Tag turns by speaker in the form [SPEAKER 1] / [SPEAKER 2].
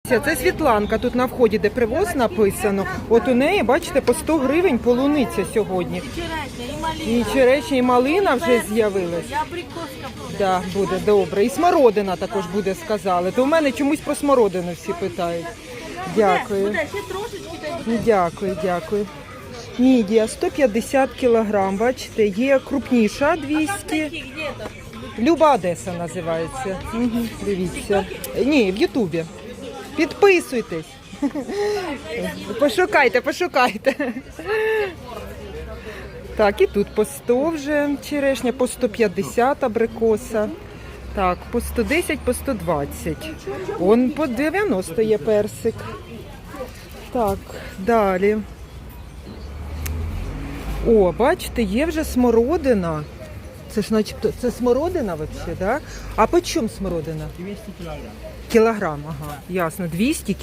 [SPEAKER 1] Це Світланка, тут на вході, де привоз написано. От у неї, бачите, по 100 гривень полуниця сьогодні. І черешня, і малина вже з'явилась.
[SPEAKER 2] І абрикоска буде.
[SPEAKER 1] Да, буде, добре. І смородина також буде, сказали. То в мене чомусь про смородину всі питають. Дякую.
[SPEAKER 2] Буде, ще трошечки та й буде.
[SPEAKER 1] Дякую, дякую. Мідія 150 кілограм, бачите, є крупніша 200.
[SPEAKER 2] Такі где-то.
[SPEAKER 1] Люба Одеса називається. Угу, дивіться. Ні, в Ютубі. Підписуйтесь. Пошукайте, пошукайте. Так, і тут по 100 вже черешня, по 150 абрикоса. Так, по 110, по 120. Он по 90 є персик. Так, далі. О, бачите, є вже смородина. Це ж начебто, це смородина взагалі, да? А по чому смородина?
[SPEAKER 3] 200 кілограм.
[SPEAKER 1] Кілограм, ага, ясно, 200